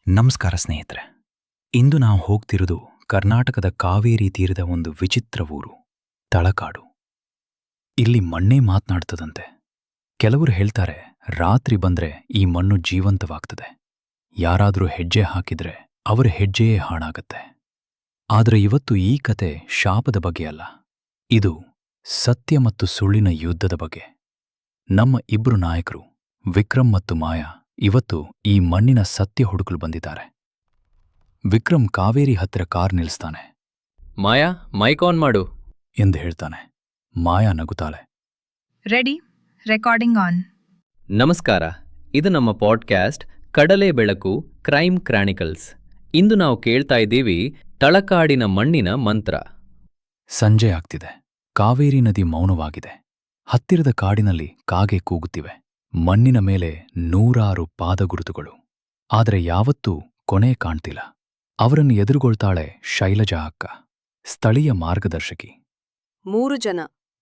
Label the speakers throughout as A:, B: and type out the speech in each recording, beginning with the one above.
A: ನಮಸ್ಕಾರ ಸ್ನೇಹಿತರೆ. ಇಂದು ನಾವು ಹೋಗ್ತಿರೋದು ಕರ್ನಾಟಕದ ಕಾವೇರಿ ತೀರದ ಒಂದು ವಿಚಿತ್ರ ಊರು, ತಳಕಾಡು. ಇಲ್ಲಿ ಮಣ್ಣೇ ಮಾತನಾಡ್ತದಂತೆ. ಕೆಲವರು ಹೇಳ್ತಾರೆ, ರಾತ್ರಿ ಬಂದ್ರೆ ಈ ಮಣ್ಣು ಜೀವಂತವಾಗ್ತದೆ. ಯಾರಾದರೂ ಹೆಜ್ಜೆ ಹಾಕಿದ್ರೆ ಅವರ ಹೆಜ್ಜೆಯೇ ಹಾಳಾಗತ್ತೆ. ಆದರೆ ಇವತ್ತು ಈ ಕತೆ ಶಾಪದ ಬಗ್ಗೆ ಅಲ್ಲ, ಇದು ಸತ್ಯ ಮತ್ತು ಸುಳ್ಳಿನ ಯುದ್ಧದ ಬಗ್ಗೆ. ನಮ್ಮ ಇಬ್ರು ನಾಯಕರು ವಿಕ್ರಮ್ ಮತ್ತು ಮಾಯಾ ಇವತ್ತು ಈ ಮಣ್ಣಿನ ಸತ್ಯ ಹುಡುಕಲು ಬಂದಿದ್ದಾರೆ. ವಿಕ್ರಮ್ ಕಾವೇರಿ ಹತ್ತಿರ ಕಾರ್ ನಿಲ್ಲಿಸ್ತಾನೆ.
B: ಮಾಯಾ, ಮೈಕ್ ಆನ್ ಮಾಡು
A: ಎಂದು ಹೇಳ್ತಾನೆ. ಮಾಯಾ ನಗುತ್ತಾಳೆ.
C: Ready, recording on.
B: ನಮಸ್ಕಾರ, ಇದು ನಮ್ಮ ಪಾಡ್ಕ್ಯಾಸ್ಟ್ ಕಡಲೆ ಬೆಳಕು ಕ್ರೈಮ್ ಕ್ರಾನಿಕಲ್ಸ್. ಇಂದು ನಾವು ಕೇಳ್ತಾ ಇದ್ದೀವಿ ತಳಕಾಡಿನ ಮಣ್ಣಿನ ಮಂತ್ರ.
A: ಸಂಜೆ ಆಗ್ತಿದೆ. ಕಾವೇರಿ ನದಿ ಮೌನವಾಗಿದೆ. ಹತ್ತಿರದ ಕಾಡಿನಲ್ಲಿ ಕಾಗೆ ಕೂಗುತ್ತಿವೆ. ಮಣ್ಣಿನ ಮೇಲೆ ನೂರಾರು ಪಾದಗುರುತುಗಳು. ಆದರೆ ಯಾವತ್ತೂ ಕೊನೆ ಕಾಣ್ತಿಲ್ಲ. ಅವರನ್ನು ಎದುರುಗೊಳ್ತಾಳೆ ಶೈಲಜಾ ಅಕ್ಕ, ಸ್ಥಳೀಯ ಮಾರ್ಗದರ್ಶಕಿ.
D: 3 ಜನ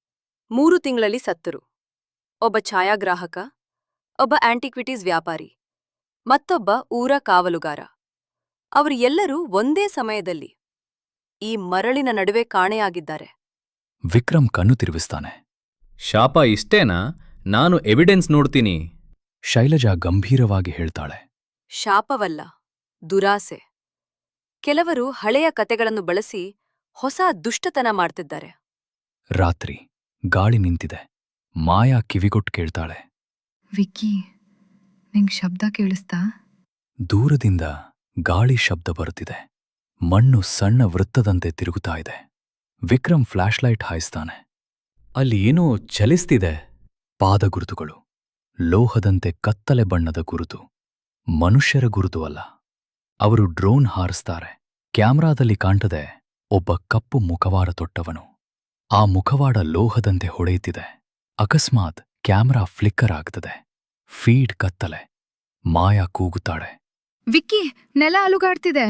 D: 3 ತಿಂಗಳಲ್ಲಿ ಸತ್ತರು. ಒಬ್ಬ ಛಾಯಾಗ್ರಾಹಕ, ಒಬ್ಬ ಆಂಟಿಕ್ವಿಟೀಸ್ ವ್ಯಾಪಾರಿ, ಮತ್ತೊಬ್ಬ ಊರ ಕಾವಲುಗಾರ. ಅವರು ಎಲ್ಲರೂ ಒಂದೇ ಸಮಯದಲ್ಲಿ ಈ ಮರಳಿನ ನಡುವೆ ಕಾಣೆಯಾಗಿದ್ದಾರೆ.
A: ವಿಕ್ರಮ್ ಕಣ್ಣು ತಿರುಗಿಸ್ತಾನೆ.
B: ಶಾಪ ಇಷ್ಟೇನಾ? ನಾನು ಎವಿಡೆನ್ಸ್ ನೋಡ್ತೀನಿ.
A: ಶೈಲಜಾ ಗಂಭೀರವಾಗಿ ಹೇಳ್ತಾಳೆ.
D: ಶಾಪವಲ್ಲ, ದುರಾಸೆ. ಕೆಲವರು ಹಳೆಯ ಕತೆಗಳನ್ನು ಬಳಸಿ ಹೊಸ ದುಷ್ಟತನ ಮಾಡ್ತಿದ್ದಾರೆ.
A: ರಾತ್ರಿ ಗಾಳಿ ನಿಂತಿದೆ. ಮಾಯಾ ಕಿವಿಗೊಟ್ಟು ಕೇಳ್ತಾಳೆ.
C: ವಿಕ್ಕಿ, ನಿಂಗ್ ಶಬ್ದ ಕೇಳಿಸ್ತಾ?
A: ದೂರದಿಂದ ಗಾಳಿ ಶಬ್ದ ಬರುತ್ತಿದೆ. ಮಣ್ಣು ಸಣ್ಣ ವೃತ್ತದಂತೆ ತಿರುಗುತ್ತಾ ಇದೆ. ವಿಕ್ರಮ್ ಫ್ಲಾಶ್ಲೈಟ್ ಹಾಯಿಸ್ತಾನೆ.
B: ಅಲ್ಲಿ ಏನೋ ಚಲಿಸ್ತಿದೆ.
A: ಪಾದಗುರುತುಗಳು, ಲೋಹದಂತೆ ಕತ್ತಲೆ ಬಣ್ಣದ ಗುರುತು. ಮನುಷ್ಯರ ಗುರುತು ಅಲ್ಲ. ಅವರು ಡ್ರೋನ್ ಹಾರಿಸ್ತಾರೆ. ಕ್ಯಾಮ್ರಾದಲ್ಲಿ ಕಾಣ್ತದೆ ಒಬ್ಬ ಕಪ್ಪು ಮುಖವಾಡ ತೊಟ್ಟವನು. ಆ ಮುಖವಾಡ ಲೋಹದಂತೆ ಹೊಳೆಯುತ್ತಿದೆ. ಅಕಸ್ಮಾತ್ ಕ್ಯಾಮ್ರಾ ಫ್ಲಿಕ್ಕರ್ ಆಗ್ತದೆ. ಫೀಡ್ ಕತ್ತಲೆ. ಮಾಯಾ ಕೂಗುತ್ತಾಳೆ.
C: ವಿಕ್ಕಿ, ನೆಲ ಅಲುಗಾಡ್ತಿದೆ.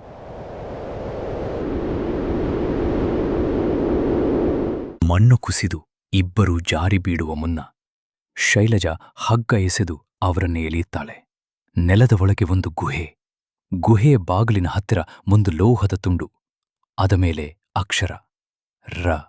A: ಮಣ್ಣು ಕುಸಿದು ಇಬ್ಬರೂ ಜಾರಿ ಬೀಳುವ ಮುನ್ನ ಶೈಲಜಾ ಹಗ್ಗ ಎಸೆದು ಅವರನ್ನೇ ಎಳೆಯುತ್ತಾಳೆ. ನೆಲದ ಒಳಗೆ ಒಂದು ಗುಹೆ. ಗುಹೆಯ ಬಾಗಿಲಿನ ಹತ್ತಿರ ಒಂದು ಲೋಹದ ತುಂಡು. ಅದ ಮೇಲೆ ಅಕ್ಷರ ರ.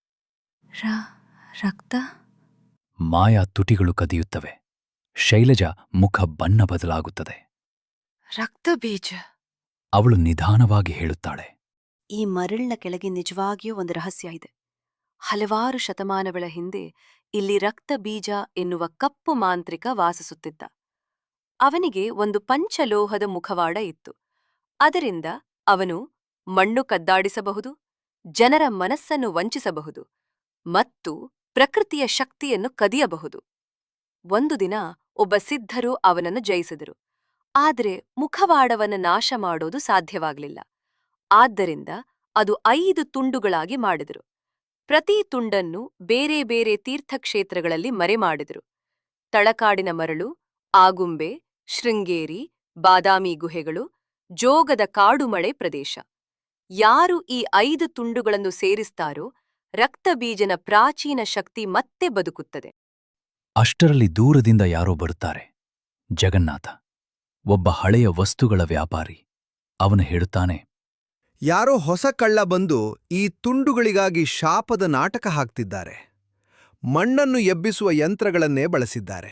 C: ರಕ್ತ.
A: ಮಾಯಾ ತುಟಿಗಳು ಕದಿಯುತ್ತವೆ. ಶೈಲಜಾ ಮುಖ ಬಣ್ಣ ಬದಲಾಗುತ್ತದೆ.
D: ರಕ್ತ ಬೀಜ.
A: ಅವಳು ನಿಧಾನವಾಗಿ ಹೇಳುತ್ತಾಳೆ.
D: ಈ ಮರಳಿನ ಕೆಳಗೆ ನಿಜವಾಗಿಯೂ ಒಂದು ರಹಸ್ಯ ಇದೆ. ಹಲವಾರು ಶತಮಾನಗಳ ಹಿಂದೆ ಇಲ್ಲಿ ರಕ್ತ ಬೀಜ ಎನ್ನುವ ಕಪ್ಪು ಮಾಂತ್ರಿಕ ವಾಸಿಸುತ್ತಿದ್ದ. ಅವನಿಗೆ ಒಂದು ಪಂಚಲೋಹದ ಮುಖವಾಡ ಇತ್ತು. ಅದರಿಂದ ಅವನು ಮಣ್ಣು ಕದ್ದಾಡಿಸಬಹುದು, ಜನರ ಮನಸ್ಸನ್ನು ವಂಚಿಸಬಹುದು ಮತ್ತು ಪ್ರಕೃತಿಯ ಶಕ್ತಿಯನ್ನು ಕದಿಯಬಹುದು. ಒಂದು ದಿನ ಒಬ್ಬ ಸಿದ್ಧರು ಅವನನ್ನು ಜಯಿಸಿದರು. ಆದರೆ ಮುಖವಾಡವನ್ನು ನಾಶ ಮಾಡೋದು ಸಾಧ್ಯವಾಗಲಿಲ್ಲ. ಆದ್ದರಿಂದ ಅದು 5 ತುಂಡುಗಳಾಗಿ ಮಾಡಿದರು. ಪ್ರತಿ ತುಂಡನ್ನು ಬೇರೆ ಬೇರೆ ತೀರ್ಥಕ್ಷೇತ್ರಗಳಲ್ಲಿ ಮರೆಮಾಡಿದರು. ತಳಕಾಡಿನ ಮರಳು, ಆಗುಂಬೆ, ಶೃಂಗೇರಿ, ಬಾದಾಮಿ ಗುಹೆಗಳು, ಜೋಗದ ಕಾಡುಮಳೆ ಪ್ರದೇಶ. ಯಾರು ಈ 5 ತುಂಡುಗಳನ್ನು ಸೇರಿಸ್ತಾರೋ ರಕ್ತಬೀಜನ ಪ್ರಾಚೀನ ಶಕ್ತಿ ಮತ್ತೆ ಬದುಕುತ್ತದೆ.
A: ಅಷ್ಟರಲ್ಲಿ ದೂರದಿಂದ ಯಾರೋ ಬರುತ್ತಾರೆ. ಜಗನ್ನಾಥ, ಒಬ್ಬ ಹಳೆಯ ವಸ್ತುಗಳ ವ್ಯಾಪಾರಿ. ಅವನು ಹೇಳುತ್ತಾನೆ.
E: ಯಾರೋ ಹೊಸ ಕಳ್ಳ ಬಂದು ಈ ತುಂಡುಗಳಿಗಾಗಿ ಶಾಪದ ನಾಟಕ ಹಾಕ್ತಿದ್ದಾರೆ. ಮಣ್ಣನ್ನು ಎಬ್ಬಿಸುವ ಯಂತ್ರಗಳನ್ನೇ ಬಳಸಿದ್ದಾರೆ.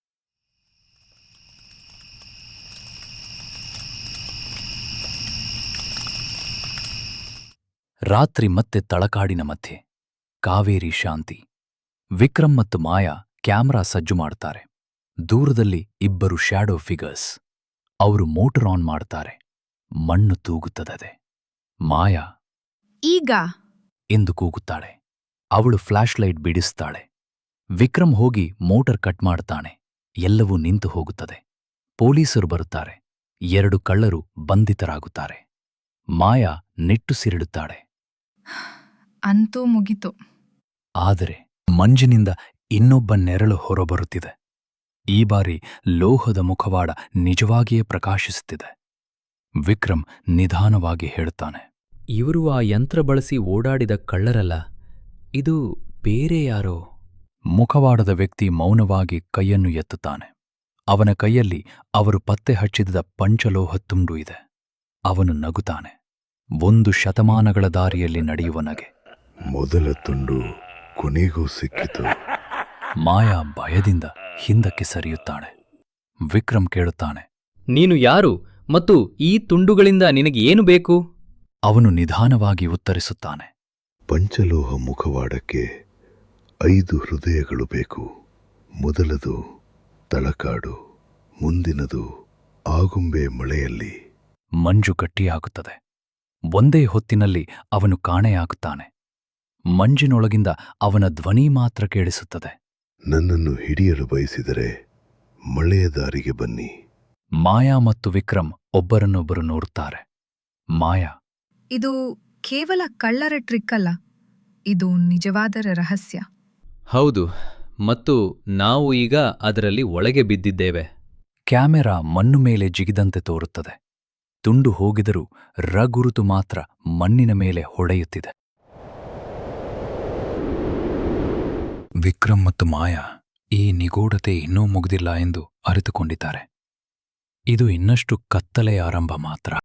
A: ರಾತ್ರಿ ಮತ್ತೆ ತಳಕಾಡಿನ ಮಧ್ಯೆ ಕಾವೇರಿ ಶಾಂತಿ. ವಿಕ್ರಮ್ ಮತ್ತು ಮಾಯಾ ಕ್ಯಾಮ್ರಾ ಸಜ್ಜು ಮಾಡ್ತಾರೆ. ದೂರದಲ್ಲಿ ಇಬ್ಬರು ಶ್ಯಾಡೋ ಫಿಗರ್ಸ್. ಅವರು ಮೋಟರ್ ಆನ್ ಮಾಡ್ತಾರೆ. ಮಣ್ಣು ತೂಗುತ್ತದೆ. ಮಾಯಾ
C: ಈಗ
A: ಎಂದು ಕೂಗುತ್ತಾಳೆ. ಅವಳು ಫ್ಲಾಶ್ಲೈಟ್ ಬಿಡಿಸ್ತಾಳೆ. ವಿಕ್ರಮ್ ಹೋಗಿ ಮೋಟರ್ ಕಟ್ ಮಾಡ್ತಾನೆ. ಎಲ್ಲವೂ ನಿಂತು ಹೋಗುತ್ತದೆ. ಪೊಲೀಸರು ಬರುತ್ತಾರೆ. 2 ಕಳ್ಳರು ಬಂಧಿತರಾಗುತ್ತಾರೆ. ಮಾಯಾ ನಿಟ್ಟುಸಿರಿಡುತ್ತಾಳೆ.
C: ಅಂತೂ ಮುಗಿತು.
A: ಆದರೆ ಮಂಜಿನಿಂದ ಇನ್ನೊಬ್ಬ ನೆರಳು ಹೊರಬರುತ್ತಿದೆ. ಈ ಬಾರಿ ಲೋಹದ ಮುಖವಾಡ ನಿಜವಾಗಿಯೇ ಪ್ರಕಾಶಿಸುತ್ತಿದೆ. ವಿಕ್ರಮ್ ನಿಧಾನವಾಗಿ ಹೇಳುತ್ತಾನೆ.
B: ಇವರು ಆ ಯಂತ್ರ ಬಳಸಿ ಓಡಾಡಿದ ಕಳ್ಳರಲ್ಲ, ಇದು ಬೇರೆ ಯಾರೋ.
A: ಮುಖವಾಡದ ವ್ಯಕ್ತಿ ಮೌನವಾಗಿ ಕೈಯನ್ನು ಎತ್ತುತ್ತಾನೆ. ಅವನ ಕೈಯಲ್ಲಿ ಅವರು ಪತ್ತೆ ಹಚ್ಚಿದ ಪಂಚಲೋಹ ತುಂಡು ಇದೆ. ಅವನು ನಗುತ್ತಾನೆ. 1 ಶತಮಾನಗಳ ದಾರಿಯಲ್ಲಿ ನಡೆಯುವ ನಗೆ.
F: ಮೊದಲ ತುಂಡು ಕೊನೆಗೂ ಸಿಕ್ಕಿತು.
A: ಮಾಯಾ ಭಯದಿಂದ ಹಿಂದಕ್ಕೆ ಸರಿಯುತ್ತಾಳೆ. ವಿಕ್ರಮ್ ಕೇಳುತ್ತಾನೆ.
B: ನೀನು ಯಾರು ಮತ್ತು ಈ ತುಂಡುಗಳಿಂದ ನಿನಗೆ ಏನು ಬೇಕು?
A: ಅವನು ನಿಧಾನವಾಗಿ ಉತ್ತರಿಸುತ್ತಾನೆ.
F: ಪಂಚಲೋಹ ಮುಖವಾಡಕ್ಕೆ 5 ಹೃದಯಗಳು ಬೇಕು. ಮೊದಲದು ತಳಕಾಡು, ಮುಂದಿನದು ಆಗುಂಬೆ ಮಳೆಯಲ್ಲಿ.
A: ಮಂಜು ಗಟ್ಟಿಯಾಗುತ್ತದೆ. ಒಂದೇ ಹೊತ್ತಿನಲ್ಲಿ ಅವನು ಕಾಣೆಯಾಗುತ್ತಾನೆ. ಮಂಜಿನೊಳಗಿಂದ ಅವನ ಧ್ವನಿ ಮಾತ್ರ ಕೇಳಿಸುತ್ತದೆ.
F: ನನ್ನನ್ನು ಹಿಡಿಯಲು ಬಯಸಿದರೆ ಮಳೆಯ ದಾರಿಗೆ ಬನ್ನಿ.
A: ಮಾಯಾ ಮತ್ತು ವಿಕ್ರಮ್ ಒಬ್ಬರನ್ನೊಬ್ಬರು ನೋಡುತ್ತಾರೆ. ಮಾಯಾ,
C: ಇದು ಕೇವಲ ಕಳ್ಳರ ಟ್ರಿಕ್ ಅಲ್ಲ, ಇದು ನಿಜವಾದ ರಹಸ್ಯ.
B: ಹೌದು, ಮತ್ತು ನಾವು ಈಗ ಅದರಲ್ಲಿ ಒಳಗೆ ಬಿದ್ದಿದ್ದೇವೆ.
A: ಕ್ಯಾಮೆರಾ ಮಣ್ಣು ಮೇಲೆ ಜಿಗಿದಂತೆ ತೋರುತ್ತದೆ. ತುಂಡು ಹೋಗಿದರೂ ರಗುರುತು ಮಾತ್ರ ಮಣ್ಣಿನ ಮೇಲೆ ಹೊಡೆಯುತ್ತಿದೆ. ವಿಕ್ರಮ್ ಮತ್ತು ಮಾಯಾ ಈ ನಿಗೂಢತೆ ಇನ್ನೂ ಮುಗಿದಿಲ್ಲ ಎಂದು ಅರಿತುಕೊಂಡಿದ್ದಾರೆ. ಇದು ಇನ್ನಷ್ಟು ಕತ್ತಲೆಯ ಆರಂಭ ಮಾತ್ರ.